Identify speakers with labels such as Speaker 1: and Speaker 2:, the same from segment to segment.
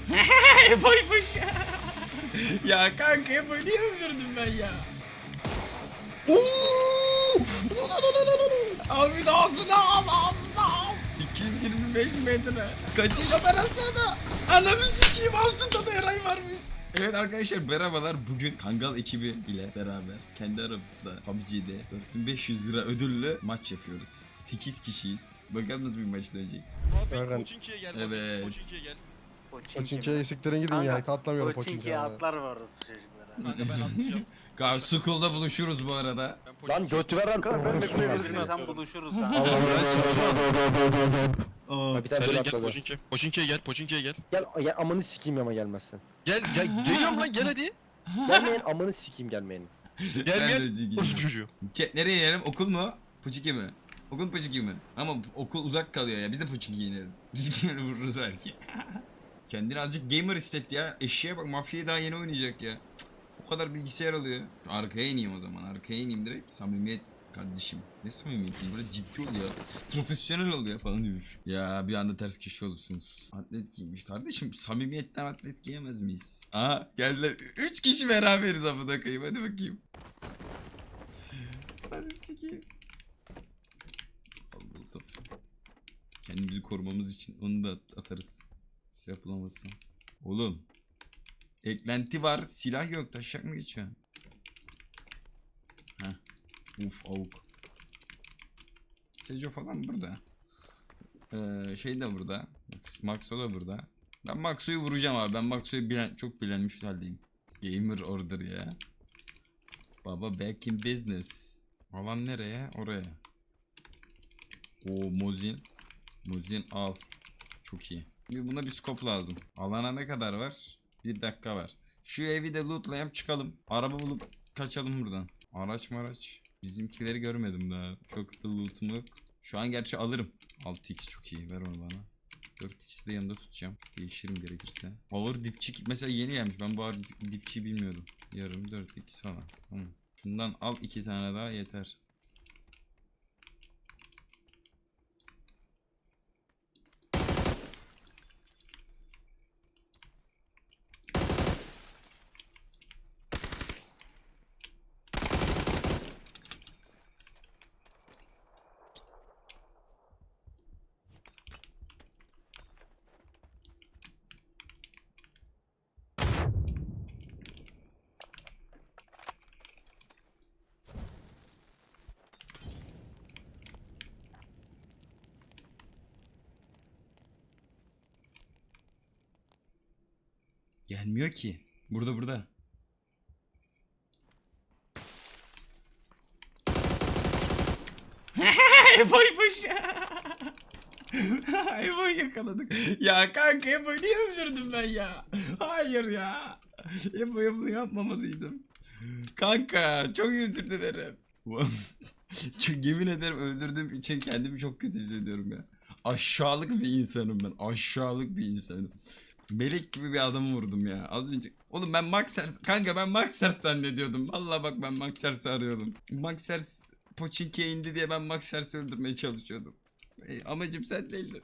Speaker 1: Boymuş. Ya kanka Ebo'yu niye öldürdüm ben ya? Abi de ağzına al. 225 metre. Kaçış operasyonu. Ananı sikeyim, altında da Eray varmış. Evet arkadaşlar merhabalar. Bugün Kangal ekibi ile beraber kendi aramızda PUBG'de 4500 lira ödüllü maç yapıyoruz. 8 kişiyiz. Bakalım nasıl bir maç dönecek.
Speaker 2: Aynen.
Speaker 3: Koçinki'ye gel.
Speaker 1: Evet.
Speaker 3: Koçinki'ye gel.
Speaker 2: Koçinki'ye siktirin gidin ya. Atlamıyorum
Speaker 4: Koçinki'ye
Speaker 2: Koçinki'ye.
Speaker 4: atlar var orası çocuklara.
Speaker 3: Kanka ben atlayacağım.
Speaker 1: School'da buluşuruz bu arada.
Speaker 3: Ben
Speaker 2: Lan götü veren.
Speaker 4: Kanka ben de
Speaker 2: Orospu
Speaker 4: kulübesine
Speaker 2: var.
Speaker 4: sen buluşuruz ha.
Speaker 1: Aa,
Speaker 2: Bir tane
Speaker 3: Sercan
Speaker 2: böyle
Speaker 3: gel
Speaker 2: atladı.
Speaker 3: Koçinki. Koçinki'ye gel. Koçinki'ye gel.
Speaker 2: Gel amanı sikeyim ama gelmezsen.
Speaker 3: Geliyorum lan gel hadi.
Speaker 2: Gelmeyin amanı sikeyim gelmeyin.
Speaker 3: Gel
Speaker 1: Ben de
Speaker 3: gel.
Speaker 1: gideyim.
Speaker 3: Orospu çocuğu.
Speaker 1: Nereye inelim? Okul mu? Puçiki mi? Okul Puçiki mi? Ama okul uzak kalıyor ya. Biz de Puçiki'ye inelim. Puçiki'ye vururuz belki. Kendini azıcık gamer hisset ya. Eşeğe bak, mafyayı daha yeni oynayacak ya. Cık, o kadar bilgisayar alıyor. Arkaya ineyim o zaman. Arkaya ineyim direkt. Samimiyet kardeşim. Ne samimiyeti? Böyle ciddi ol ya. Profesyonel ol ya falan demiş. Ya bir anda ters kişi olursunuz. Atlet giymiş. Kardeşim samimiyetten atlet giyemez miyiz? Aha geldiler. 3 kişi beraberiz amına koyayım. Hadi bakayım. Hadi sikeyim. Allah tof. Kendimizi korumamız için onu da atarız. Silah bulamazsam. Oğlum. Eklenti var. Silah yok. Taşak mı geçiyor? Heh. Uf avuk. Sejo falan burada. Şey de burada. Maxo da burada. Ben Maxo'yu vuracağım abi. Ben Maxo'yu çok bilenmiş haldeyim. Gamer order ya. Baba back in business. Alan nereye? Oraya. O Mozin. Mozin al. Çok iyi. Şimdi buna bir scope lazım. Alana ne kadar var? 1 dakika var. Şu evi de lootlayalım çıkalım. Araba bulup kaçalım buradan. Araç. Bizimkileri görmedim daha. Çok da lootum yok. Şu an gerçi alırım. 6x çok iyi. Ver onu bana. 4x'i de yanında tutacağım. Değişirim gerekirse. Ağır dipçik mesela yeni gelmiş. Ben bu ağır dipçiyi bilmiyordum. Yarım 4x falan. Tamam. Şundan al 2 tane daha yeter. Gelmiyor ki. Burada. Ebo'ymuş. Ebo'yu yakaladık. Ya kanka Ebo'yu niye öldürdüm ben ya? Hayır ya. Ebo'ya bunu yapmamalıydım. Kanka çok özür dilerim. Çok yemin ederim öldürdüğüm için kendimi çok kötü hissediyorum ya. Aşağılık bir insanım ben. Aşağılık bir insanım. Melek gibi bir adamı vurdum ya az önce. Oğlum ben Maxers kanka, ben Maxers zannediyordum. Vallahi bak ben Maxers'i arıyordum. Maxers Pochinki'ye indi diye ben Maxers'i öldürmeye çalışıyordum. Amacım sen değildin.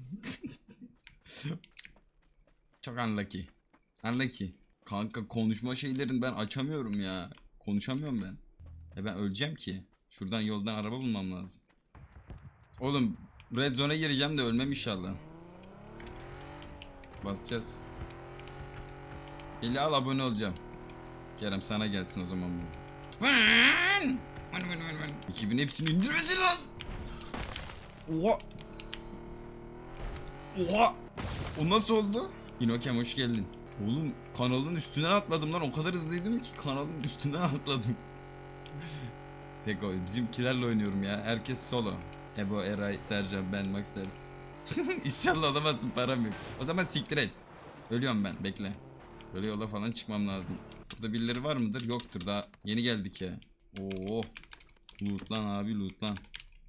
Speaker 1: Çok unlucky. Unlucky. Kanka konuşma şeylerini ben açamıyorum ya. Konuşamıyorum ben. Ben öleceğim ki. Şuradan yoldan araba bulmam lazım. Oğlum Red Zone'a gireceğim de ölmem inşallah. Basacağız. 50 al abone olacağım. Kerem sana gelsin o zaman bu. 2000 hepsini indirmesin lan. Oha. Oha. O nasıl oldu? İnokem hoş geldin. Oğlum kanalın üstünden atladım lan. O kadar hızlıydım ki kanalın üstünden atladım. Tek o. Bizimkilerle oynuyorum ya. Herkes solo. Ebo, Eray, Sercan, ben, Maxers. İnşallah alamazsın, param yok. O zaman siktir et. Ölüyorum ben, bekle. Böyle yola falan çıkmam lazım. Burada birileri var mıdır? Yoktur, daha yeni geldik ya. Oo. Loot lan abi, loot lan.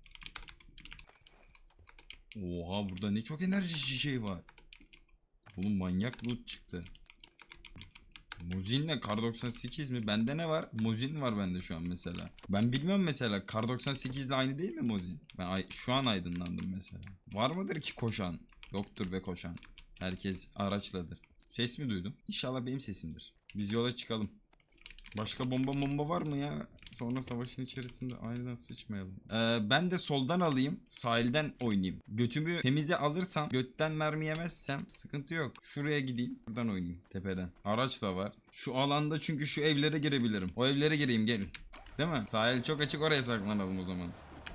Speaker 1: Oha burada ne çok enerji şey var. Oğlum manyak loot çıktı. Mozin'le Kar 98 mi? Bende ne var? Mozin var bende şu an mesela. Ben bilmiyorum mesela. Kar 98 ile aynı değil mi Mozin? Ben şu an aydınlandım mesela. Var mıdır ki koşan? Yoktur be koşan. Herkes araçladır. Ses mi duydum? İnşallah benim sesimdir. Biz yola çıkalım. Başka bomba var mı ya? Sonra savaşın içerisinde aynen sıçmayalım. Ben de soldan alayım. Sahilden oynayayım. Götümü temize alırsam, götten mermi yemezsem sıkıntı yok. Şuraya gideyim. Buradan oynayayım tepeden. Araç da var. Şu alanda çünkü şu evlere girebilirim. O evlere gireyim gelin. Değil mi? Sahil çok açık, oraya saklanalım o zaman.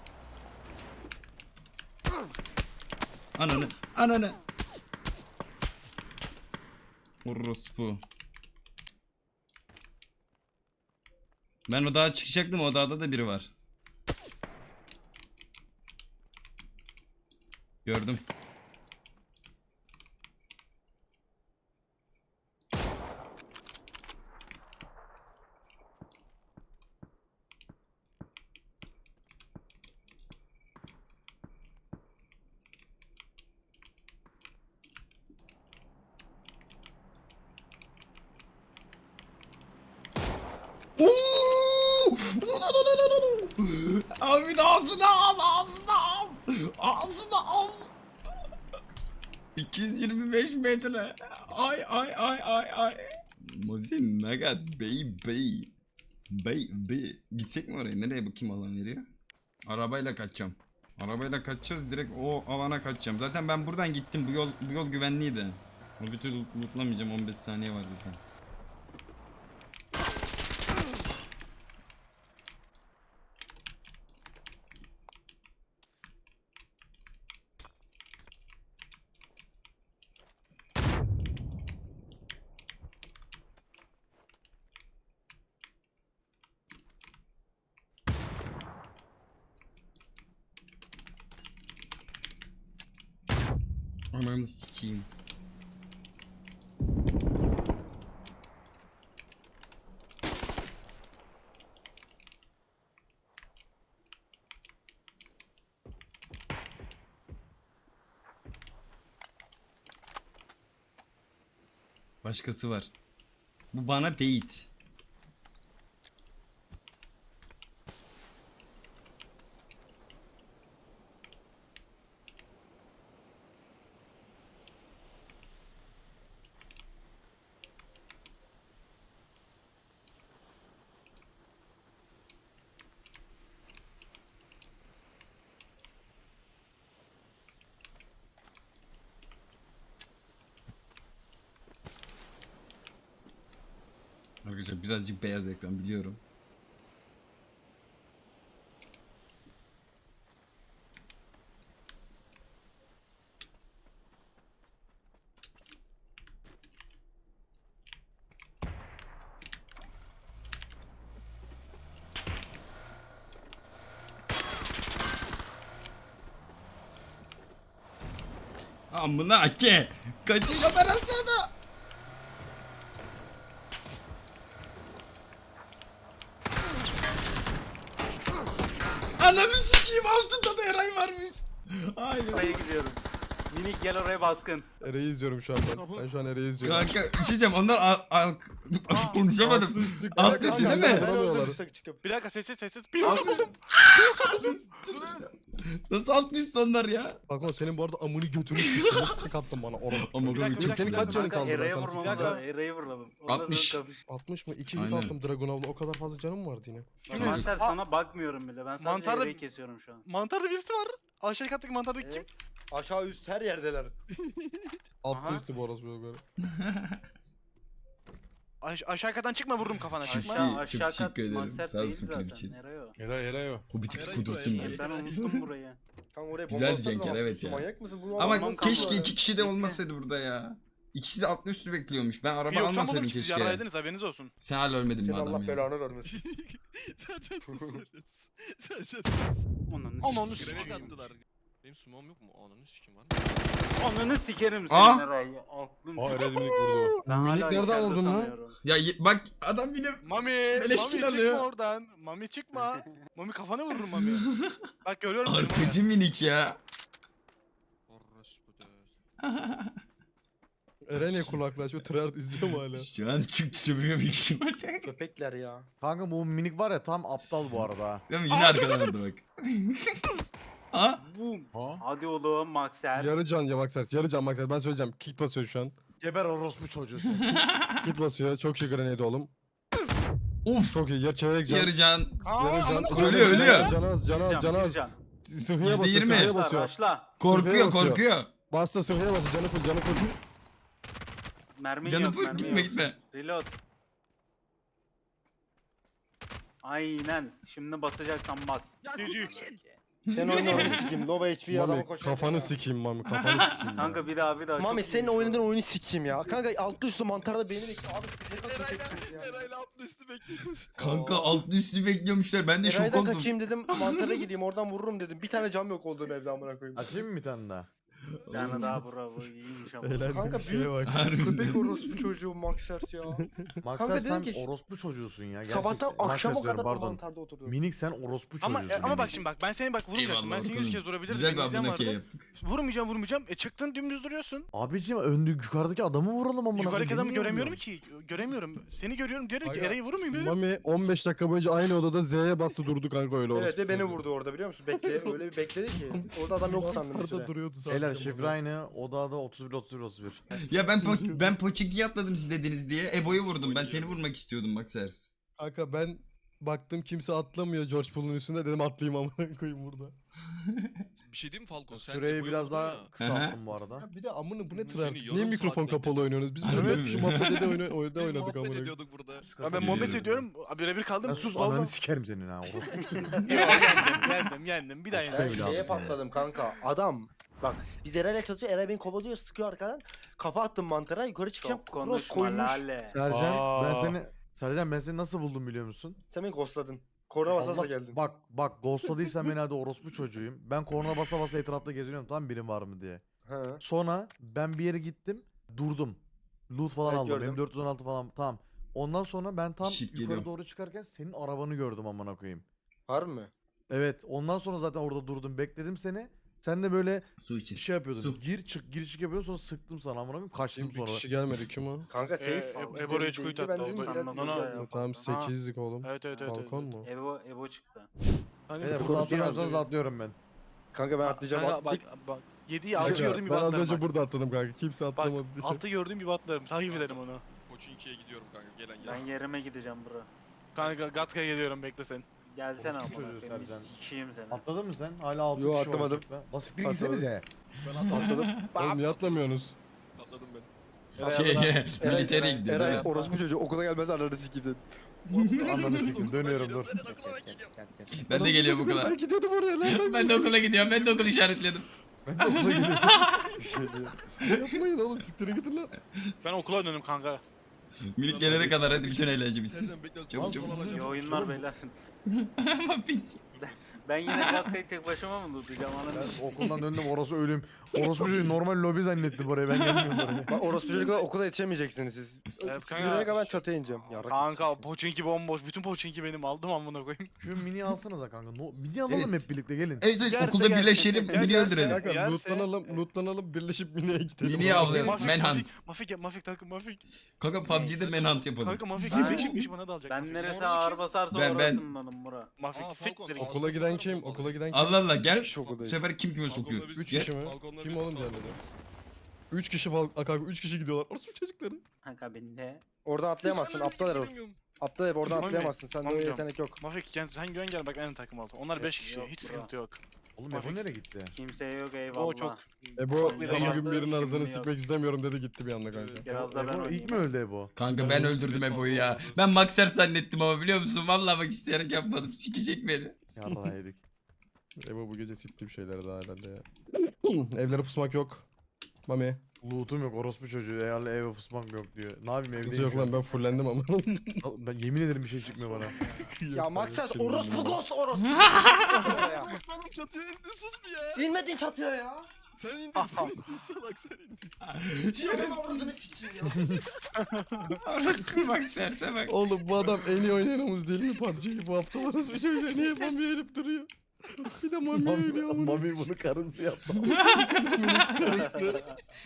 Speaker 1: Ananı. Orospu. Ben o dağa çıkacaktım, o dağda da biri var. Gördüm. Abi ağzına al. Ağzına al. 225 metre. Ay. Mozin nagat baby. Gitsek mi oraya? Nereye bakayım alan veriyor? Arabayla kaçacağım. Arabayla kaçacağız, direkt o alana kaçacağım. Zaten ben buradan gittim. Bu yol güvenliydi. O bir türlü lootlamayacağım. 15 saniye var zaten. Ananı sikeyim. Başkası var. Bu bana bait. Arkadaşlar birazcık beyaz ekran biliyorum. Amına ke. Kaçış operasyonu. Ananı sikeyim, altında da Eray varmış. Hayır.
Speaker 4: Oraya gidiyorum. Minik gel oraya baskın.
Speaker 2: Ereği izliyorum şu an ben. Ben şu an Ereği izliyorum.
Speaker 1: Kanka bir şey diyeceğim, onlar konuşamadım. Alt üstü değil mi?
Speaker 2: Ben öldüm
Speaker 4: Bir dakika sessiz. Bir yolda buldum.
Speaker 1: Nasıl alt üstü onlar ya?
Speaker 2: Bak senin bu arada amını götünü tek attın bana orada.
Speaker 1: Ama
Speaker 4: Bir dakika,
Speaker 1: çok
Speaker 2: Senin kaç canın kaldı?
Speaker 4: Eray'a
Speaker 2: Ben sana
Speaker 4: vurmamız
Speaker 2: sikeyim.
Speaker 4: lazım. Eray'a vuralım. Ondan
Speaker 1: 60.
Speaker 4: sonra kapış.
Speaker 2: 60 mı? 2 hit
Speaker 1: Aynen.
Speaker 2: attım Dragunov'la. O kadar fazla canım vardı yine.
Speaker 4: Mantar sana bakmıyorum bile. Ben sadece
Speaker 5: Mantarda-
Speaker 4: Eray'ı kesiyorum şu an.
Speaker 5: Mantarda birisi var. Aşağı kattaki mantardaki kim?
Speaker 4: Evet.
Speaker 6: Aşağı üst her yerdeler.
Speaker 2: Altta
Speaker 4: Aha.
Speaker 2: üstü bu orası böyle.
Speaker 5: Aşağı kattan çıkma vururum kafana.
Speaker 1: Pis.
Speaker 5: Çıkma.
Speaker 1: Çok
Speaker 4: Aşağı
Speaker 1: teşekkür
Speaker 4: kat
Speaker 1: ederim.
Speaker 4: Manser
Speaker 1: Sağ
Speaker 4: değil
Speaker 1: olsun
Speaker 4: zaten.
Speaker 1: klip için.
Speaker 4: Eray o.
Speaker 2: Eray o.
Speaker 1: Hobbit'i
Speaker 6: Eray
Speaker 1: kudurttum
Speaker 6: Eray.
Speaker 1: ya.
Speaker 4: Ben unuttum burayı.
Speaker 6: Kanka oraya
Speaker 1: Güzel
Speaker 6: bomba atsana,
Speaker 1: Cenker, evet
Speaker 6: şu
Speaker 1: ya.
Speaker 6: Manyak mısın? Bunu
Speaker 1: Ama
Speaker 6: adam
Speaker 1: keşke
Speaker 6: kaldı.
Speaker 1: 2 kişi de olmasaydı burada ya. İkisi de alt üstü bekliyormuş. Ben
Speaker 5: Bir
Speaker 1: araba
Speaker 5: yoktan buldum
Speaker 1: almasaydım
Speaker 5: siz
Speaker 1: keşke.
Speaker 5: yaraydınız haberiniz olsun.
Speaker 1: Sen hala ölmedin mi
Speaker 6: Senin
Speaker 1: adam
Speaker 6: Allah
Speaker 1: ya?
Speaker 6: belanı vermesin.
Speaker 5: Ananı
Speaker 3: Granit
Speaker 5: sikeyim.
Speaker 3: attılar. Benim sumom yok mu? Ananı sikim var.
Speaker 4: Ananı sikerim
Speaker 1: Ah!
Speaker 4: senin Eray'ı. Aklım.
Speaker 2: Aa Eray minik vurdu.
Speaker 4: Ben
Speaker 2: Minik
Speaker 4: hala
Speaker 2: nereden
Speaker 4: içeride
Speaker 2: aldın lan?
Speaker 4: sanıyorum.
Speaker 1: Ya bak adam yine
Speaker 5: Mami
Speaker 1: Beleşkin
Speaker 5: çıkma
Speaker 1: alıyor.
Speaker 5: oradan. Mami çıkma. Mami kafana vururum Mami. Bak görüyorum seni Mami.
Speaker 1: arkacı minik ya.
Speaker 3: Orospu dövüyor.
Speaker 2: Eray niye kulaklığı açıyor? Treyarch izliyor mu hala?
Speaker 1: Şu an çık sövüyor büyük ihtimalle.
Speaker 6: Köpekler ya.
Speaker 7: Kanka bu minik var ya tam aptal bu arada. ha.
Speaker 1: Değil mi? Yine arkadan vurdu bak. Ha?
Speaker 4: Boom.
Speaker 2: Ha?
Speaker 4: Hadi oğlum Maxer.
Speaker 2: Yarı can ya Maxer. Yarı can Maxer. Ben söyleyeceğim. Kick basıyor şu an.
Speaker 7: Geber orospu çocuğu.
Speaker 2: Git basıyor. Çok şey grenade oğlum.
Speaker 1: Of.
Speaker 2: Çok iyi. Yer çevirerek can.
Speaker 1: Yarıcan.
Speaker 2: Yarı can.
Speaker 1: Ölüyor, ölüyor.
Speaker 2: Can az, can az, can az. Sıhhiye basıyor,
Speaker 1: %20.
Speaker 2: sıhhiye
Speaker 4: Raşla
Speaker 2: basıyor.
Speaker 4: raşla.
Speaker 1: Korkuyor
Speaker 2: basıyor.
Speaker 1: korkuyor.
Speaker 2: Bastı sıhhiye basıyor. Canı full, canı full.
Speaker 4: Mermin
Speaker 1: Canım
Speaker 4: yok
Speaker 1: full,
Speaker 4: mermi
Speaker 1: gitme
Speaker 4: yok.
Speaker 1: gitme.
Speaker 4: Reload. Aynen. Şimdi basacaksan bas.
Speaker 6: Sen oyunu sikeyim. Low HP adamı
Speaker 2: Mami
Speaker 6: koşar.
Speaker 2: kafanı sikeyim Mami, kafanı sikeyim.
Speaker 4: Kanka bir daha bir daha.
Speaker 6: Mami
Speaker 4: çok
Speaker 6: senin
Speaker 4: iyiymiş
Speaker 6: oynadığın oyunu sikeyim ya. Kanka altlı üstlü mantarda beyni bekliyor. Abi siz ne kadar kötüsünüz ya.
Speaker 5: Eray'la altlı üstü bekliyoruz.
Speaker 1: Kanka alt üstü bekliyormuşlar. Ben de şok
Speaker 6: Eray'dan
Speaker 1: oldum.
Speaker 6: kaçayım dedim. Mantara gideyim oradan vururum dedim. Bir tane cam yok olduğum evde amına koyayım.
Speaker 7: Açayım mı bir tane daha?
Speaker 4: Bir tane daha bravo. İyiymiş ama.
Speaker 2: Eğlendim
Speaker 6: Kanka
Speaker 2: şeye
Speaker 6: büyük
Speaker 2: bak.
Speaker 1: Harbiden.
Speaker 6: köpek orospu çocuğu Maxers ya.
Speaker 7: Maksat
Speaker 6: dedim
Speaker 7: sen
Speaker 6: ki-
Speaker 7: orospu çocuğusun ya.
Speaker 6: Sabahtan
Speaker 7: Gerçekten.
Speaker 6: akşama
Speaker 7: Maksat
Speaker 6: kadar
Speaker 7: diyorum,
Speaker 6: o
Speaker 7: pardon.
Speaker 6: mantarda oturdum.
Speaker 7: Minik sen orospu çocuğusun.
Speaker 5: Ama
Speaker 7: Minik.
Speaker 5: bak şimdi bak ben seni bak vurmayacaktım. Ben seni 100 kez vurabilirdim.
Speaker 1: Güzel bir
Speaker 5: benim izlem
Speaker 1: abone
Speaker 5: vardı.
Speaker 1: yaptık.
Speaker 5: Vurmayacağım. Çıktın dümdüz duruyorsun.
Speaker 7: Abicim önde yukarıdaki adamı vuralım amına.
Speaker 5: Yukarıdaki
Speaker 7: koyayım,
Speaker 5: adamı
Speaker 7: beni niye
Speaker 5: göremiyorum
Speaker 7: vuruyorsun?
Speaker 5: ki. Göremiyorum. Seni görüyorum. Diyorum ki
Speaker 2: Aga,
Speaker 5: Eray'ı vurmayayım dedim.
Speaker 2: Mami 15 dakika boyunca aynı odada Z'ye bastı durdu kanka öyle oldu.
Speaker 6: Evet ve beni vurdu orada biliyor musun? Öyle bir bekledi ki. Orada adam yok sandım bir süre.
Speaker 2: Orada duruyordu sadece.
Speaker 7: Beyler şifre aynı. Odada 31.
Speaker 1: Ya ben Poçinki'yi atladım siz dediniz diye. Ebo'yu vurdum. Ben seni vurmak istiyordum bak Sers.
Speaker 2: Kanka ben baktım kimse atlamıyor George Pool'un üstünde, dedim atlayayım amına koyayım burada.
Speaker 3: Bir şey diyeyim mi Falcon? Sen
Speaker 7: Süreyi
Speaker 3: Ebo'yu
Speaker 7: biraz
Speaker 3: vurdun
Speaker 7: daha
Speaker 3: ya.
Speaker 7: kısalttım bu arada.
Speaker 2: Ya bir de amına bu ne
Speaker 3: Seni
Speaker 2: tryhard?
Speaker 3: yarım
Speaker 2: Niye mikrofon
Speaker 3: saat
Speaker 2: kapalı oynuyorsunuz? Biz
Speaker 1: Harbi
Speaker 2: böyle
Speaker 1: mi?
Speaker 2: şu muhabbede oynadık
Speaker 3: Biz
Speaker 2: amına
Speaker 3: muhabbet
Speaker 2: koyayım.
Speaker 3: ediyorduk burada.
Speaker 5: Ben
Speaker 1: Geliyorum.
Speaker 5: muhabbet ediyorum. Birebir kaldım.
Speaker 7: Ben sus
Speaker 5: Vallahi-
Speaker 7: ananı sikerim senin ha. orospu.
Speaker 5: Yendim. Bir daha
Speaker 7: Başka
Speaker 5: yendim.
Speaker 7: bir
Speaker 6: Ben
Speaker 7: daha
Speaker 6: şeye
Speaker 7: mısın
Speaker 6: patladım kanka. Adam bak biz Eray'la çalışıyor. Eray beni kovalıyor, sıkıyor arkadan. Kafa attım mantara, yukarı çıkacağım.
Speaker 4: Çok
Speaker 6: Cross
Speaker 4: konuşma
Speaker 6: koymuş.
Speaker 4: lale.
Speaker 7: Sercan ben seni nasıl buldum biliyor musun?
Speaker 6: Sen beni ghostladın. Korna basarsa
Speaker 7: Allah-
Speaker 6: geldin.
Speaker 7: Bak ghostladıysan beni hadi orospu çocuğuyum. Ben korna basa basa etrafta geziniyorum tamam birim var mı diye.
Speaker 6: He.
Speaker 7: Sonra ben bir yere gittim durdum. Loot falan
Speaker 6: Evet,
Speaker 7: aldım.
Speaker 6: gördüm.
Speaker 7: Benim 416 falan tamam. Ondan sonra ben tam
Speaker 1: Shit,
Speaker 7: yukarı
Speaker 1: geliyorum.
Speaker 7: doğru çıkarken senin arabanı gördüm amına koyayım.
Speaker 6: Harbi mi?
Speaker 7: Evet ondan sonra zaten orada durdum bekledim seni. Sen de böyle
Speaker 1: Su için.
Speaker 7: şey yapıyordun.
Speaker 1: Su.
Speaker 7: Gir çık yapıyordun sonra sıktım sana amına koyayım kaçtım
Speaker 2: Bir
Speaker 7: sonra.
Speaker 2: kişi gelmedi, kim o?
Speaker 6: Kanka safe.
Speaker 5: Ebo Rage quit
Speaker 6: Ben
Speaker 5: attı,
Speaker 6: dedim
Speaker 5: oldu.
Speaker 6: biraz
Speaker 4: Anladım.
Speaker 6: güzel ya.
Speaker 2: Tamam 8'lik oğlum.
Speaker 5: Evet.
Speaker 2: Balkon mu?
Speaker 4: Ebo çıktı.
Speaker 5: Hani
Speaker 7: Evet
Speaker 5: bu-
Speaker 7: burada atlamıyorsanız atlıyorum ben.
Speaker 6: Kanka ben atlayacağım.
Speaker 5: Kanka bak 7'yi 6
Speaker 2: Kanka,
Speaker 5: gördüğüm gibi
Speaker 2: ben az
Speaker 5: atlarım
Speaker 2: önce
Speaker 5: bak.
Speaker 2: burada atladım kanka. Kimse
Speaker 5: Bak
Speaker 2: atlamadı diye.
Speaker 5: 6 gördüğüm gibi atlarım. Takip ederim onu.
Speaker 3: Pochinki'ye gidiyorum kanka. Gelen
Speaker 4: Ben
Speaker 3: gel.
Speaker 4: yerime gideceğim bro.
Speaker 5: Kanka Gatka'ya geliyorum bekle sen.
Speaker 4: Gelsene
Speaker 7: Orospu
Speaker 4: amına
Speaker 7: çocuğu
Speaker 4: koyayım. Bir
Speaker 7: Sercan.
Speaker 4: sikeyim seni.
Speaker 7: Atladın mı sen? Hala 6
Speaker 6: Yo,
Speaker 7: kişi var
Speaker 6: atlamadım.
Speaker 7: açıkta. Basiktir
Speaker 6: Atladım.
Speaker 7: gitsenize.
Speaker 6: Atladım.
Speaker 2: Oğlum niye atlamıyorsunuz?
Speaker 3: Atladım ben.
Speaker 1: Militer'e gidiyor.
Speaker 6: Eray
Speaker 1: değil mi?
Speaker 6: orospu çocuğu okula gelmez ananı sikeyim
Speaker 7: Ananı sikim dönüyorum dur.
Speaker 1: Ben de geliyorum okula.
Speaker 2: Ben gidiyordum oraya lan.
Speaker 1: Ben de okula gidiyorum. Ben de okul işaretledim.
Speaker 7: Ben de okula gidiyorum.
Speaker 2: Yapmayın oğlum, siktirin gidin lan.
Speaker 5: Ben okula döndüm kanka.
Speaker 1: Minik gelene kadar hadi bütün eğlence bitsin.
Speaker 3: Sercan bekle.
Speaker 1: Çabuk, çabuk.
Speaker 4: İyi oyunlar beyler.
Speaker 1: Ama pink.
Speaker 4: Ben yine Gatka'yı tek başıma mı tutacağım ananı?
Speaker 7: Ben okuldan döndüm orası ölüm. Orospu çocuğu normal lobi zannetti burayı ben gelmiyorum buraya.
Speaker 6: Bak orospu çocuklar okula yetişemeyeceksiniz siz.
Speaker 5: Evet,
Speaker 6: Siz yürüyene kadar ben çatıya ineceğim. Yarrak
Speaker 5: Kanka
Speaker 6: yetişeceksin.
Speaker 5: Pochinki bomboş. Bütün Pochinki benim aldım amına koyayım.
Speaker 7: Şu mini alsanıza kanka. Mini alalım hep birlikte gelin.
Speaker 1: Evet evet
Speaker 5: Gerse
Speaker 1: okulda
Speaker 5: gerse.
Speaker 1: birleşelim.
Speaker 5: Gel,
Speaker 1: Mini
Speaker 5: gel,
Speaker 1: öldürelim.
Speaker 5: gel.
Speaker 2: Kanka
Speaker 5: Yerse-
Speaker 2: lootlanalım birleşip miniye gidelim.
Speaker 1: Mini'yi avlayalım.
Speaker 5: Mafik,
Speaker 1: Manhunt.
Speaker 5: Mafik takım Mafik.
Speaker 1: Kanka PUBG'de manhunt yapalım.
Speaker 5: Kanka Mafik
Speaker 4: Ben-
Speaker 5: beşikmiş bana da alacak.
Speaker 4: Ben
Speaker 5: Mafik.
Speaker 4: neresi
Speaker 3: Orada
Speaker 4: ağır
Speaker 3: kim?
Speaker 4: basarsa
Speaker 1: Ben-
Speaker 4: orasındanım bura.
Speaker 5: Mafik
Speaker 3: Aa,
Speaker 5: siktir
Speaker 3: Falcon.
Speaker 5: git.
Speaker 2: Okula giden kim? Okula giden kim?
Speaker 1: Allah Allah gel.
Speaker 6: kişi
Speaker 1: Bu
Speaker 6: okuldayız.
Speaker 1: sefer kim kime sokuyor?
Speaker 3: Balkonda biz-
Speaker 2: 3
Speaker 1: Gel.
Speaker 2: kişi mi?
Speaker 3: Balkonda
Speaker 2: Kim
Speaker 3: biz
Speaker 2: oğlum
Speaker 3: kaldık.
Speaker 2: diğerleri? 3 kişi falan. Kanka 3 kişi gidiyorlar. Orası çocukları.
Speaker 4: Kanka bende.
Speaker 6: Oradan atlayamazsın. Aptal herif. Aptal herif oradan
Speaker 5: Mami,
Speaker 6: atlayamazsın. Sende o
Speaker 5: Mami
Speaker 6: yetenek yok.
Speaker 5: Mafik sen güven gel bak aynı takım oldu. Onlar 5 kişi
Speaker 4: Yok
Speaker 5: hiç
Speaker 4: bro.
Speaker 5: sıkıntı yok.
Speaker 7: Oğlum
Speaker 5: Mafik-
Speaker 7: Ebo nereye gitti?
Speaker 4: Kimseye yok eyvallah.
Speaker 5: O çok
Speaker 2: Ebo
Speaker 5: Bir
Speaker 2: ama
Speaker 5: de
Speaker 2: gün birinin
Speaker 4: şimdi
Speaker 2: arasını
Speaker 4: yok.
Speaker 2: sikmek istemiyorum dedi, gitti bir anda kanka.
Speaker 3: Evet.
Speaker 4: Biraz da ben
Speaker 7: Ebo ilk
Speaker 4: oynayayım.
Speaker 7: mi öldü Ebo?
Speaker 1: Kanka ben öldürdüm Ebo'yu ya. Ben Maxer zannettim ama biliyor musun? Vallahi bak isteyerek yapmadım. Sikecek beni.
Speaker 7: Yarrağı yedik.
Speaker 2: Ebo bu gece siktiğim şeyler daha herhalde ya. Evlere pusmak yok. Mami.
Speaker 7: Loot'um yok orospu çocuğu. Eğerle eve fısmak yok diyor. Ne yapayım
Speaker 2: Kızı
Speaker 7: evdeyim
Speaker 2: yok
Speaker 7: şu
Speaker 2: lan,
Speaker 7: an.
Speaker 2: ben fullendim ama.
Speaker 7: Ben yemin ederim bir şey çıkmıyor bana.
Speaker 6: Ya Maxas orospu ghost orospu. Ya.
Speaker 5: Aslanım çatıya indi sus bir ya.
Speaker 6: İnmedin çatıya ya.
Speaker 5: Sen indin sen indin salak sen indin.
Speaker 6: Şerefsiz. sikeyim ya.
Speaker 1: Orası Maxer'se bak.
Speaker 2: Oğlum bu adam en iyi oynayanımız değil mi PUBG'yi? Bu hafta orası bir şey niye Mami herif duruyor? Bir de Mami oynuyor ama.
Speaker 7: Mami bunu karınsı yaptı.
Speaker 2: Mami'nin karısı.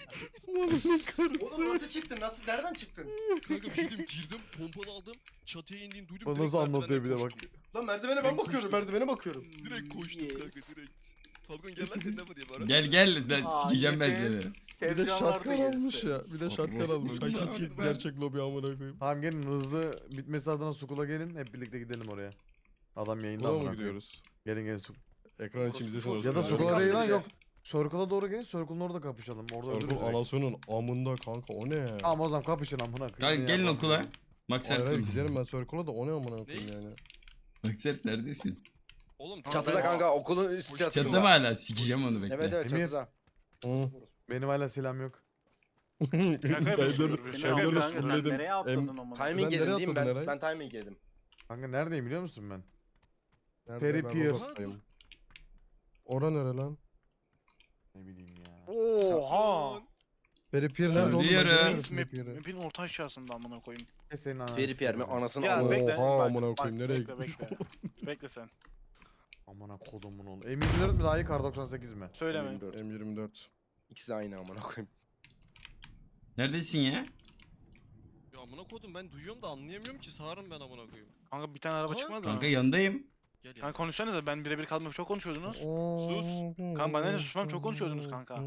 Speaker 6: Oğlum nasıl çıktın? Nasıl? Nereden çıktın?
Speaker 3: Kanka bir şey diyeyim girdim pompalı aldım. Çatıya indiğini duydum.
Speaker 7: O
Speaker 3: direkt
Speaker 7: nasıl anlatıyor bir de
Speaker 3: merdivenden
Speaker 7: bak.
Speaker 3: koştum.
Speaker 6: Lan merdivene ben bakıyorum. Merdivene bakıyorum.
Speaker 3: Direkt koştum kanka
Speaker 4: Yes.
Speaker 3: direkt. Falcon gel lan seni de vurayım ara.
Speaker 1: Gel ben
Speaker 4: Aa,
Speaker 1: sikeceğim ben
Speaker 4: yeter.
Speaker 1: seni.
Speaker 2: Bir de
Speaker 4: Sevcan
Speaker 2: şatkan
Speaker 4: vardı
Speaker 2: almış
Speaker 4: gerisi.
Speaker 2: ya. Bir de şatkan
Speaker 1: Orospu
Speaker 2: almış.
Speaker 1: çocuğu.
Speaker 2: Hakiki gerçek lobi amına koyayım.
Speaker 7: Tamam gelin hızlı bitmesi adına Sukula gelin. Hep birlikte gidelim oraya. Adam yayında
Speaker 2: Buna
Speaker 7: amına
Speaker 2: mı
Speaker 7: koyayım.
Speaker 2: gidiyoruz?
Speaker 7: Gelin
Speaker 2: Ekran için bize
Speaker 6: Orospu
Speaker 7: Ya da
Speaker 6: çocuğu.
Speaker 7: Sukula değil lan
Speaker 6: bize.
Speaker 7: yok. Circle'a doğru gelin. Circle'ın orada kapışalım. Orada öldürürüz.
Speaker 2: Orkun
Speaker 7: direkt.
Speaker 2: anasının amında kanka o ne?
Speaker 7: Tamam o zaman kapışın amına koyayım.
Speaker 1: Kanka
Speaker 7: Ne
Speaker 1: gelin
Speaker 7: yapalım
Speaker 1: okula.
Speaker 7: ya?
Speaker 1: Max
Speaker 2: Hayır hayır
Speaker 1: Ers.
Speaker 2: gidelim ben Circle'a da o ne amına koyayım yani.
Speaker 1: Max Ers neredesin?
Speaker 3: Oğlum
Speaker 6: Çatıda kanka okulun üst çatısında.
Speaker 1: Çatıda mı hala? Sikeceğim onu bekle.
Speaker 6: Evet evet
Speaker 7: Emir.
Speaker 6: çatıda.
Speaker 2: Hı.
Speaker 7: Benim hala silahım yok.
Speaker 5: Şaka
Speaker 2: Sayıları-
Speaker 5: yapıyorsun.
Speaker 4: Seni
Speaker 5: Şaka
Speaker 4: al
Speaker 5: yapıyorsun.
Speaker 4: kanka sen
Speaker 2: fulledim.
Speaker 4: nereye atladın ama?
Speaker 6: Timing
Speaker 2: Ben
Speaker 6: yedim
Speaker 2: nereye
Speaker 6: değil mi?
Speaker 2: atladın
Speaker 6: Ben,
Speaker 2: Eray?
Speaker 6: ben timing yedim.
Speaker 7: Kanka neredeyim biliyor musun ben?
Speaker 2: Nerede?
Speaker 7: Peri
Speaker 2: Ben
Speaker 7: Pier.
Speaker 2: Robots'tayım. Ora nere lan?
Speaker 7: Ne bileyim ya.
Speaker 5: Oha.
Speaker 2: Peri Pier nerede oğlum? Ben
Speaker 1: Söylüyorum.
Speaker 2: göremiyorum
Speaker 5: Map,
Speaker 2: Peri Pier'i.
Speaker 5: map'in orta aşağısında amına koyayım.
Speaker 7: Senin ananı
Speaker 6: Feri Pierre mi?
Speaker 7: sikeyim.
Speaker 6: Anasını
Speaker 5: Ya
Speaker 6: ağladı.
Speaker 5: bekle.
Speaker 2: Oha,
Speaker 5: bak,
Speaker 2: amına
Speaker 5: bak,
Speaker 2: koyayım, nereye
Speaker 5: bekle. Bekle sen.
Speaker 7: Amına kodumun oğlu. M24 mi daha iyi kar 98 mi?
Speaker 5: Söyleme.
Speaker 2: M24.
Speaker 6: İkisi de aynı amına koyayım.
Speaker 1: Neredesin ya?
Speaker 3: ya amına kodum ben duyuyorum da anlayamıyorum ki sağırım ben amına koyayım.
Speaker 5: Kanka bir tane araba
Speaker 3: Aa,
Speaker 5: çıkmaz mı?
Speaker 1: Kanka yanındayım.
Speaker 3: Gel ya.
Speaker 5: Kanka konuşsanıza ben birebir kalmak çok konuşuyordunuz.
Speaker 3: Sus.
Speaker 5: Kanka bana ne susmam çok konuşuyordunuz kanka.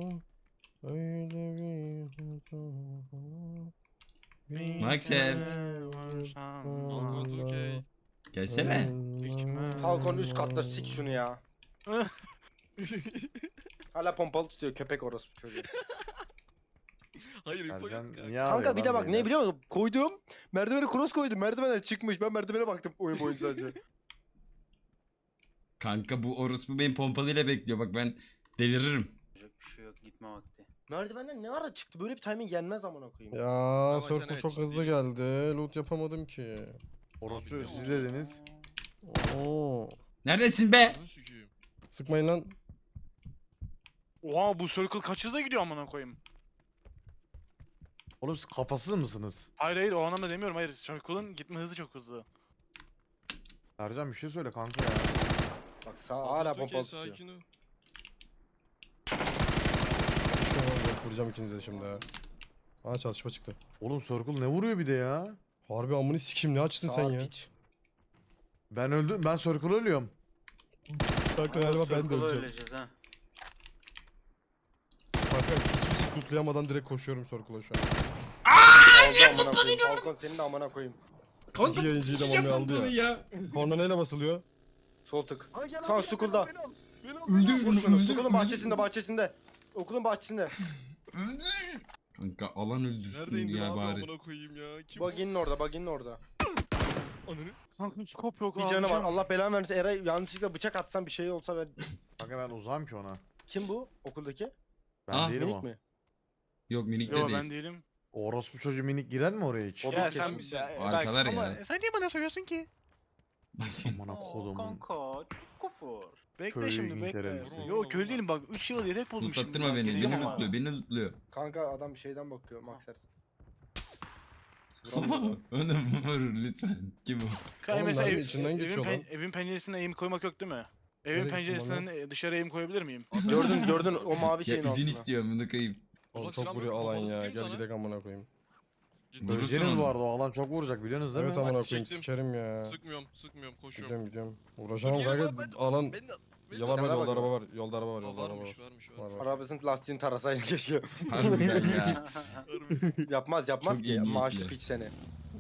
Speaker 1: Max Ers.
Speaker 3: Falcon 2K.
Speaker 1: Gelsene.
Speaker 6: Falcon üst katta sik şunu ya. Hala pompalı tutuyor köpek orospu çocuğu.
Speaker 3: Hayır info yok
Speaker 7: Ercan
Speaker 3: kanka.
Speaker 7: niye
Speaker 6: Kanka
Speaker 7: ağlıyor
Speaker 6: bir de
Speaker 7: lan
Speaker 6: bak ne
Speaker 7: beyler?
Speaker 6: biliyor musun? Koydum. Merdivene cross koydum. Merdivenler çıkmış. Ben merdivene baktım oyun boyunca sadece.
Speaker 1: Kanka bu orospu benim pompalıyla bekliyor. Bak ben deliririm.
Speaker 4: Yapacak bir şey yok gitme vakti.
Speaker 6: Merdivenden ne ara çıktı? Böyle bir timing gelmez amına koyayım.
Speaker 2: Ya
Speaker 3: Ama
Speaker 2: Circle
Speaker 3: sen
Speaker 2: çok
Speaker 3: evet,
Speaker 2: hızlı
Speaker 3: ciddi.
Speaker 2: geldi. Loot yapamadım ki.
Speaker 7: Orospu
Speaker 3: Abi,
Speaker 7: siz dediniz.
Speaker 2: Oo.
Speaker 1: Neredesin be?
Speaker 3: Bunu sikeyim.
Speaker 2: Sıkmayın lan.
Speaker 5: Oha bu circle kaç hızla gidiyor amına koyayım.
Speaker 7: Oğlum siz kafasız mısınız?
Speaker 5: Hayır o anlamda demiyorum hayır. Circle'ın gitme hızı çok hızlı.
Speaker 7: Ercan bir şey söyle kanka ya.
Speaker 6: Bak sağ hala
Speaker 3: Falcon 2K
Speaker 6: pompalı tutuyor.
Speaker 3: sakin ol.
Speaker 2: Vuracağım ikinize de şimdi ha. Aa çatışma çıktı.
Speaker 7: Oğlum Circle ne vuruyor bir de ya?
Speaker 2: Harbi amını sikim ne açtın sen
Speaker 6: Sağ
Speaker 2: ya?
Speaker 6: piç.
Speaker 7: Ben öldüm. Ben Circle ölüyorum.
Speaker 2: Kanka galiba ben de
Speaker 4: Circle'ı
Speaker 2: öleceğim.
Speaker 4: öleceğiz ha.
Speaker 2: Kanka hiçbir şey lootlayamadan direkt koşuyorum Circle'a şu an.
Speaker 6: Aldı amına koyayım. Falcon senin de amına koyayım.
Speaker 2: İki yayıncıyı da mami aldı ya. Korna neyle basılıyor?
Speaker 6: Sol tık. Son school'da.
Speaker 1: Öldür
Speaker 6: Vur şunu. School'un bahçesinde. Okulun bahçesinde.
Speaker 1: Kanka alan öldürsün
Speaker 3: Nerede indin
Speaker 1: ya
Speaker 3: abi
Speaker 1: bari.
Speaker 3: amına koyayım ya. Kim
Speaker 6: Buggy'nin orada.
Speaker 3: Ananı.
Speaker 5: Kanka scope yok
Speaker 6: Bir canı var. Allah belanı vermesin. Eray yanlışlıkla bıçak atsan bir şey olsa ver.
Speaker 7: Kanka ben uzağım ki ona.
Speaker 6: Kim bu? Okuldaki?
Speaker 7: Ben
Speaker 1: Ah,
Speaker 7: değilim
Speaker 6: Minik
Speaker 7: o.
Speaker 6: mi?
Speaker 1: Yok minik de
Speaker 5: Yo
Speaker 1: değil.
Speaker 5: ben değilim.
Speaker 7: Orospu çocuğu minik girer mi oraya hiç?
Speaker 6: O
Speaker 5: Ya
Speaker 6: bir
Speaker 5: sen
Speaker 6: kesin.
Speaker 1: Arkalar
Speaker 5: ama
Speaker 1: ya.
Speaker 5: sen niye bana söylüyorsun ki?
Speaker 7: Amına
Speaker 4: Oo,
Speaker 7: kodumun.
Speaker 4: kanka çok kufur.
Speaker 5: Bekle
Speaker 7: Köy
Speaker 5: şimdi bekle.
Speaker 7: İngiltere'lisi.
Speaker 5: Yo köy değilim bak 3 yıl yedek buldum şimdi.
Speaker 1: Mutlattırma
Speaker 5: bak,
Speaker 1: beni.
Speaker 5: geleceğim
Speaker 1: Beni
Speaker 5: ama.
Speaker 1: lootluyor. Beni lootluyor.
Speaker 6: Kanka adam şeyden bakıyor. Max Ersin.
Speaker 1: Onu vur lütfen. Kim o?
Speaker 5: Kanka
Speaker 2: Oğlum
Speaker 5: mesela
Speaker 2: mermi içinden geçiyor lan.
Speaker 5: evin penceresine eğim koymak yok değil mi?
Speaker 2: Nereye
Speaker 5: Evin
Speaker 2: gittim
Speaker 5: penceresinden dışarı eğim koyabilir miyim?
Speaker 6: Gördün o mavi
Speaker 1: Ya
Speaker 6: şeyin
Speaker 1: izin
Speaker 6: altında.
Speaker 1: istiyorum bunu kayıp.
Speaker 2: Oğlum
Speaker 3: Uzak
Speaker 2: çok
Speaker 3: silah
Speaker 2: vuruyor
Speaker 3: mı?
Speaker 2: alan
Speaker 3: Kafanı
Speaker 2: ya.
Speaker 3: sıkayım
Speaker 2: Gel
Speaker 3: sana.
Speaker 2: gidelim amına koyayım.
Speaker 3: Ciddi.
Speaker 1: Vurursun
Speaker 7: Öleceğiniz
Speaker 1: onu.
Speaker 7: bu arada o alan çok vuracak biliyorsunuz değil
Speaker 2: Evet
Speaker 7: mi?
Speaker 2: amına
Speaker 3: Bak,
Speaker 2: koyayım
Speaker 3: çektim.
Speaker 2: sikerim ya.
Speaker 3: Sıkmıyorum koşuyorum.
Speaker 2: Gidiyorum. Uğraşamam
Speaker 3: Dur, gel,
Speaker 2: kanka
Speaker 3: ben-
Speaker 2: alan
Speaker 3: Ben
Speaker 2: yalan var
Speaker 6: Kenara
Speaker 2: yolda
Speaker 6: bak
Speaker 2: araba
Speaker 6: ya.
Speaker 2: var. Yolda araba var.
Speaker 3: Aa,
Speaker 2: Yolda araba var.
Speaker 3: varmış.
Speaker 2: Var.
Speaker 6: Arabasının lastiğini tarasaydın keşke.
Speaker 1: Harbiden ya.
Speaker 6: yapmaz
Speaker 1: Çok
Speaker 6: ki.
Speaker 1: iyi
Speaker 6: Maaşlı
Speaker 1: niyetli.
Speaker 6: piç seni.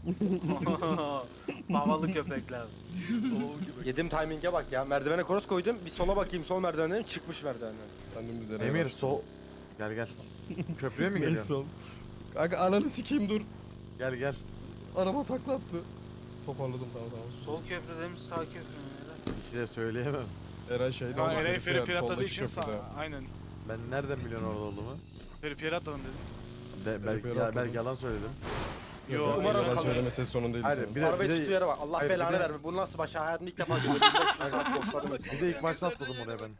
Speaker 4: Havalı köpekler.
Speaker 6: Yedim timing'e bak ya. Merdivene cross koydum. Bir sola bakayım sol merdivenden çıkmış merdivenden.
Speaker 2: Ben dümdüz nereye
Speaker 7: Emir
Speaker 2: başladım.
Speaker 7: sol. Gel. Köprüye mi
Speaker 2: Neyse
Speaker 7: geliyorsun?
Speaker 2: oğlum. Kanka ananı sikeyim dur.
Speaker 7: Gel.
Speaker 2: Araba takla attı. Toparladım tamam.
Speaker 4: Sol köprüde mi sağ köprü mü?
Speaker 7: Hiç de söyleyemem.
Speaker 2: Eray şeyde
Speaker 5: Kanka
Speaker 2: oldu,
Speaker 5: Eray
Speaker 2: Feri
Speaker 5: feri atladığı
Speaker 2: soldaki
Speaker 5: için
Speaker 2: köprüde.
Speaker 5: aynen.
Speaker 7: Ben nereden biliyorsun orada olduğumu?
Speaker 5: Feri atladım dedim.
Speaker 7: Belki,
Speaker 2: Feri
Speaker 7: ya,
Speaker 2: atladım.
Speaker 7: belki yalan söyledim.
Speaker 5: Yo,
Speaker 2: Umarım
Speaker 6: umarım
Speaker 2: ben
Speaker 6: kalır.
Speaker 2: söyleme ses tonundaydı
Speaker 7: Hayır,
Speaker 2: senin.
Speaker 7: bir de-
Speaker 6: Arabayı tuttuğu yere bak. Allah
Speaker 7: Hayır, bir
Speaker 6: belanı
Speaker 7: de-
Speaker 6: verme. Bu nasıl baş hayatımda ilk defa görüyorum. 1500 saat postladım mesela.
Speaker 7: Bir de ilk başta atladım oraya ben.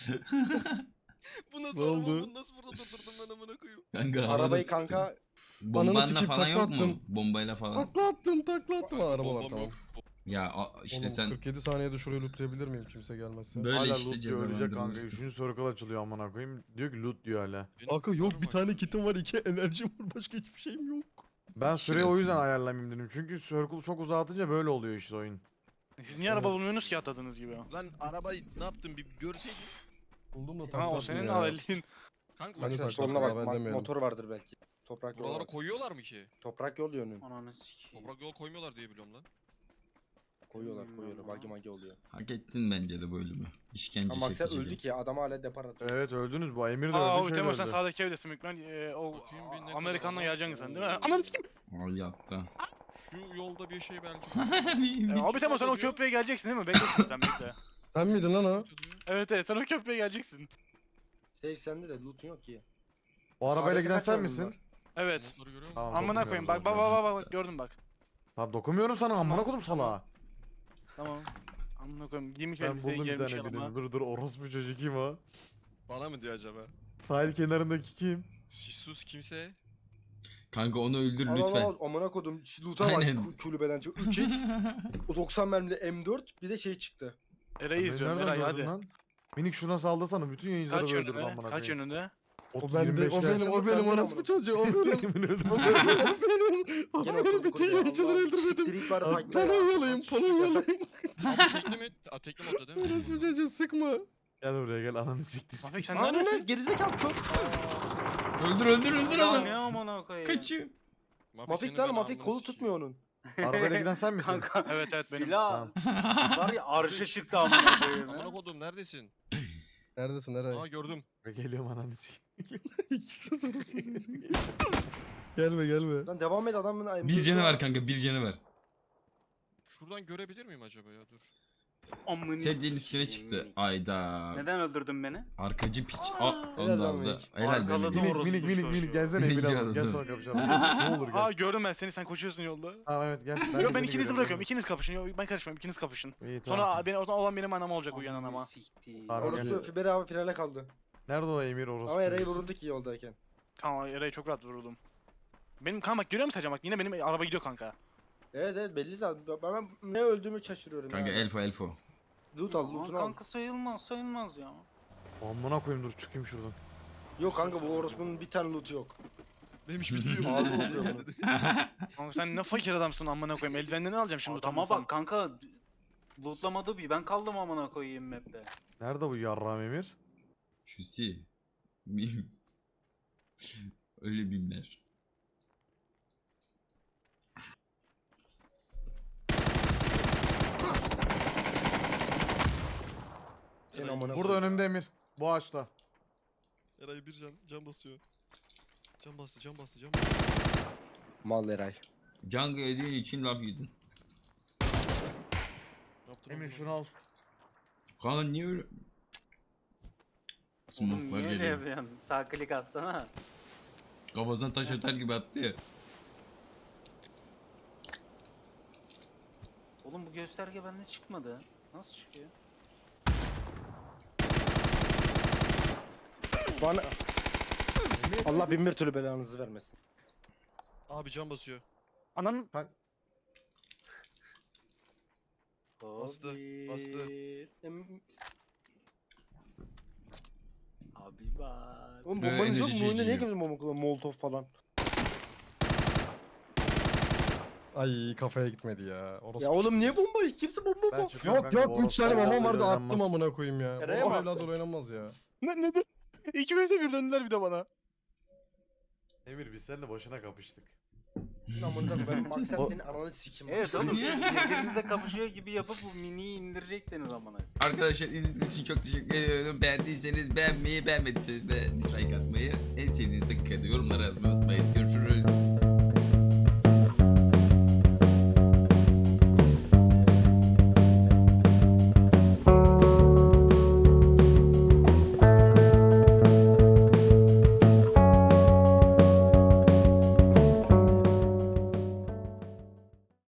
Speaker 3: Bu nasıl
Speaker 2: Ne
Speaker 3: araba
Speaker 2: oldu?
Speaker 3: bunu nasıl burada durdurdum ben amına koyayım.
Speaker 1: Kanka havada
Speaker 6: Arabayı
Speaker 1: tutuyorum.
Speaker 6: kanka
Speaker 2: Ananı
Speaker 1: Bombanla
Speaker 2: sikeyim,
Speaker 1: falan yok
Speaker 2: takla
Speaker 1: mu?
Speaker 2: attım.
Speaker 1: Bombayla falan.
Speaker 2: Takla attım. Aa, araba var
Speaker 3: Bombam
Speaker 2: tamam.
Speaker 3: yok.
Speaker 1: Ya işte
Speaker 2: Oğlum,
Speaker 1: sen
Speaker 2: 47 saniyede şurayı lootlayabilir miyim kimse gelmezse?
Speaker 1: böyle
Speaker 7: Hala
Speaker 1: işte
Speaker 7: loot diyor ölecek kanka.
Speaker 1: cezalandırılırsın.
Speaker 7: 3. circle açılıyor amına koyayım. Diyor ki loot diyor hala.
Speaker 3: Benim
Speaker 2: Kanka yok
Speaker 3: kurtarım
Speaker 2: bir
Speaker 3: var.
Speaker 2: tane kitim var 2 enerjim var başka hiçbir şeyim yok.
Speaker 7: Ben süreyi o yüzden
Speaker 1: Şurası.
Speaker 7: ayarlamayayım dedim. Çünkü circle çok uzatınca böyle oluyor işte oyun.
Speaker 5: Siz niye araba bulmuyorsunuz ki atladığınız gibi?
Speaker 3: Lan arabayı ne yaptın bir görseydin.
Speaker 2: Buldum da
Speaker 5: Tamam o
Speaker 2: takla
Speaker 5: senin
Speaker 2: ya.
Speaker 5: halin.
Speaker 3: Kanka
Speaker 2: Ben de
Speaker 6: Sen
Speaker 2: takla
Speaker 6: soluna
Speaker 2: ya,
Speaker 6: bak
Speaker 2: ben demeyelim.
Speaker 6: motor vardır belki. Toprak yolu
Speaker 3: buralara
Speaker 6: var.
Speaker 3: koyuyorlar mı ki?
Speaker 6: Toprak yol yönü.
Speaker 4: Ananı sikeyim.
Speaker 3: Toprak yol koymuyorlar diye biliyorum lan.
Speaker 6: Koyuyorlar
Speaker 4: Bilmiyorum
Speaker 6: koyuyorlar.
Speaker 4: ama.
Speaker 6: Bagi magi oluyor.
Speaker 1: Hak ettin bence de bu ölümü. İşkence
Speaker 6: Ama bak sen
Speaker 1: çekici.
Speaker 6: öldük ya adam hala depar atıyor.
Speaker 7: Evet öldünüz bu Emir de
Speaker 5: Aa
Speaker 7: öldü
Speaker 5: o
Speaker 7: şöyle
Speaker 5: Temo sen
Speaker 7: öldü.
Speaker 5: sağdaki evdesin büyük ihtimal. O
Speaker 3: Bakayım bir ne kadar
Speaker 5: Amerikan'la
Speaker 3: adam-
Speaker 5: geleceksin sen değil mi?
Speaker 3: Oo.
Speaker 5: Ananı sikeyim.
Speaker 1: Ay yattı.
Speaker 3: Şu yolda bir şey belki.
Speaker 5: Abi Temo sen o
Speaker 3: diyor?
Speaker 5: köprüye geleceksin değil mi? Beklesin sen bekle.
Speaker 2: Sen miydin lan o?
Speaker 5: Evet evet sen o köprüye geleceksin.
Speaker 6: Şey sende de loot'un yok ki.
Speaker 7: O arabayla
Speaker 6: Arada
Speaker 7: giden
Speaker 6: kaç
Speaker 7: sen
Speaker 6: araba
Speaker 7: misin?
Speaker 6: var?
Speaker 5: Evet.
Speaker 3: Motoru görüyor musun?
Speaker 7: Tamam,
Speaker 5: Amına koyayım bak bak bak bak bak gördüm bak.
Speaker 7: Tamam dokunmuyorum sana amına koydum salağa.
Speaker 5: Tamam. Amına koyayım giymiş
Speaker 7: Ben
Speaker 5: elbiseyi
Speaker 7: buldum bir
Speaker 5: gelmiş
Speaker 7: tane
Speaker 5: yanıma.
Speaker 7: birini. Dur orospu çocuğu kim o?
Speaker 3: Bana mı diyor acaba?
Speaker 7: Sahil kenarındaki kim?
Speaker 3: Sus kimse.
Speaker 1: Kanka onu öldür
Speaker 6: Al
Speaker 1: lütfen.
Speaker 6: al amına kodum loot'a bak
Speaker 1: Aynen.
Speaker 6: kulübeden çık. 3x o 90 mermili M4 bir de şey çıktı.
Speaker 5: Eray'ı
Speaker 7: Beni
Speaker 5: izliyorum
Speaker 7: nereden
Speaker 5: Eray
Speaker 7: gördün
Speaker 5: hadi.
Speaker 7: lan? Minik şuna saldırsana bütün yayıncıları
Speaker 5: Kaç
Speaker 7: öldürdü
Speaker 5: yönünde?
Speaker 7: amına
Speaker 5: Kaç
Speaker 7: koyayım.
Speaker 5: yönünde?
Speaker 2: O benim, o benim orospu çocuğu, o benim.
Speaker 7: Emir öldü.
Speaker 2: O benim, o
Speaker 6: Gene
Speaker 2: benim
Speaker 6: oturduk
Speaker 2: bütün
Speaker 6: oraya,
Speaker 2: yayıncıları
Speaker 6: Allah'ım.
Speaker 2: öldürmedim.
Speaker 6: Siktir var
Speaker 7: Abi,
Speaker 6: fight'la ya.
Speaker 2: Polonyalayım, Polonyalayım.
Speaker 3: Abi tekli mi? Aa, tekli modda değil mi?
Speaker 2: Orospu çocuğu sıkma.
Speaker 7: Gel buraya gel ananı siktir.
Speaker 5: Mafik sen
Speaker 6: Aa ne
Speaker 5: neredesin?
Speaker 6: gerizekalı kör.
Speaker 1: Öldür
Speaker 4: Lan
Speaker 1: onu.
Speaker 4: ne amına koyayım.
Speaker 1: Kaçıyor.
Speaker 6: Mafik lan Mafik kolu tutmuyor onun.
Speaker 7: Arabayla giden sen misin?
Speaker 4: Kanka
Speaker 5: Evet evet benim.
Speaker 4: silah var ya arşa çıktı amına koyayım.
Speaker 3: Amına
Speaker 4: ya.
Speaker 3: kodum neredesin?
Speaker 2: Neredesin Eray?
Speaker 3: Aa gördüm.
Speaker 7: Geliyorum ananı siktir.
Speaker 2: İkisi de orospu çocuğu. Gelme gelme.
Speaker 6: Lan devam et adamın ayımı.
Speaker 1: Bir canı var kanka, bir canı var.
Speaker 3: Şuradan görebilir miyim acaba ya dur.
Speaker 4: Amına
Speaker 1: Sedyenin üstüne
Speaker 4: sikeyim.
Speaker 1: çıktı. Ayda.
Speaker 4: Neden öldürdün beni?
Speaker 1: Arkacı piç.
Speaker 4: Aa,
Speaker 1: Onu
Speaker 6: helal
Speaker 1: da
Speaker 6: lan
Speaker 1: aldı.
Speaker 6: Minik.
Speaker 1: Helal
Speaker 4: Arkaladı
Speaker 1: benim.
Speaker 4: orospu
Speaker 7: Minik minik
Speaker 4: çocuğu.
Speaker 7: minik gelsene Emir
Speaker 1: Rica
Speaker 7: abi. Gel
Speaker 1: ederim.
Speaker 7: sonra kapışalım. Ne olur
Speaker 5: Aa
Speaker 7: gel.
Speaker 5: gördüm ben seni sen koşuyorsun yolda.
Speaker 7: Tamam evet gel.
Speaker 5: Yok ben
Speaker 7: seni
Speaker 5: ikinizi
Speaker 7: görüyorum.
Speaker 5: bırakıyorum. İkiniz kapışın. Yok ben karışmam. İkiniz kapışın.
Speaker 7: İyi tamam.
Speaker 5: Sonra beni olan benim anam olacak uyanan
Speaker 4: Amına
Speaker 5: ama.
Speaker 4: siktir.
Speaker 7: Tamam,
Speaker 6: Orası
Speaker 7: gel.
Speaker 6: Fiber abi finale kaldı.
Speaker 7: Nerede o Emir orospu?
Speaker 6: Ama Eray'ı
Speaker 7: çocuğu?
Speaker 6: vuruldu ki yoldayken.
Speaker 5: Kanka Eray'ı çok rahat vuruldum. Benim kanka bak görüyor musun Sercan bak yine benim araba gidiyor kanka.
Speaker 6: Evet evet belli zaten. Ben ne öldüğümü şaşırıyorum
Speaker 1: Kanka
Speaker 6: ya.
Speaker 1: elfo.
Speaker 6: Loot al
Speaker 4: Aman
Speaker 6: loot'unu al.
Speaker 4: kanka sayılmaz ya.
Speaker 7: Amına koyayım dur çıkayım şuradan.
Speaker 6: Yok kanka bu orospunun bir tane loot'u yok.
Speaker 3: Benim hiçbir şeyim yok.
Speaker 6: Ağzı oluyor bunun.
Speaker 5: Kanka sen ne fakir adamsın amına koyayım. Eldivenlerini alacağım şimdi
Speaker 4: Adama
Speaker 5: utanmasam.
Speaker 4: bak kanka. Lootlamadı bir ben kaldım amına koyayım map'te.
Speaker 7: Nerede bu yarram Emir?
Speaker 1: Şusi. Mim. Öyle bimler.
Speaker 6: Senin amına
Speaker 7: Burada
Speaker 6: koyayım.
Speaker 7: önümde Emir. Bu ağaçta.
Speaker 3: Eray bir can basıyor. Can bastı.
Speaker 6: Mal Eray.
Speaker 1: Django ödüğün için laf yedin.
Speaker 3: Ne yaptın
Speaker 7: Emir
Speaker 3: oğlum?
Speaker 7: şunu al.
Speaker 1: Kanka niye öyle?
Speaker 4: Oğlum
Speaker 1: Smoke'lar
Speaker 4: niye öyle
Speaker 1: geliyor.
Speaker 4: yapıyorsun? Sağ klik atsana.
Speaker 1: Kafasına taş atar gibi attı ya.
Speaker 4: Oğlum bu gösterge bende çıkmadı. Nasıl çıkıyor?
Speaker 6: Bana... Allah bin bir türlü belanızı vermesin.
Speaker 3: Abi can basıyor.
Speaker 5: Ananın
Speaker 3: Bastı,
Speaker 4: Abi.
Speaker 3: bastı.
Speaker 6: Em-
Speaker 4: Abi var.
Speaker 6: Oğlum
Speaker 1: Böyle
Speaker 6: bombanız yok
Speaker 1: enerji
Speaker 6: mu? Oyunda niye
Speaker 1: içiyor.
Speaker 6: kimse bomba kullanıyor? Molotov falan.
Speaker 2: Ay kafaya gitmedi ya. Orospu.
Speaker 6: Ya oğlum niye bomba? Kimse bomba
Speaker 7: Ben
Speaker 6: bomba.
Speaker 7: çıkıyorum
Speaker 2: Yok
Speaker 7: kanka,
Speaker 2: yok
Speaker 7: bu
Speaker 2: 3 tane
Speaker 7: orospu
Speaker 2: babam vardı
Speaker 7: evladı
Speaker 2: attım
Speaker 7: oynanmaz.
Speaker 2: amına koyayım ya.
Speaker 6: Nereye
Speaker 2: Babam
Speaker 6: mi attın?
Speaker 2: evladı oynanmaz ya.
Speaker 5: ne? İki vs bir döndüler bir de bana.
Speaker 7: Emir biz seninle boşuna kapıştık.
Speaker 6: Amına koyayım. Bak sen
Speaker 7: O-
Speaker 6: senin ananı sikim.
Speaker 4: Evet oğlum siz birbirinizle kapışıyor gibi yapıp bu miniyi indirecektiniz amına.
Speaker 1: Arkadaşlar izlediğiniz için çok teşekkür ediyorum. Beğendiyseniz beğenmeyi, beğenmediyseniz de dislike atmayı, en sevdiğiniz dakikada yorumlara yazmayı unutmayın.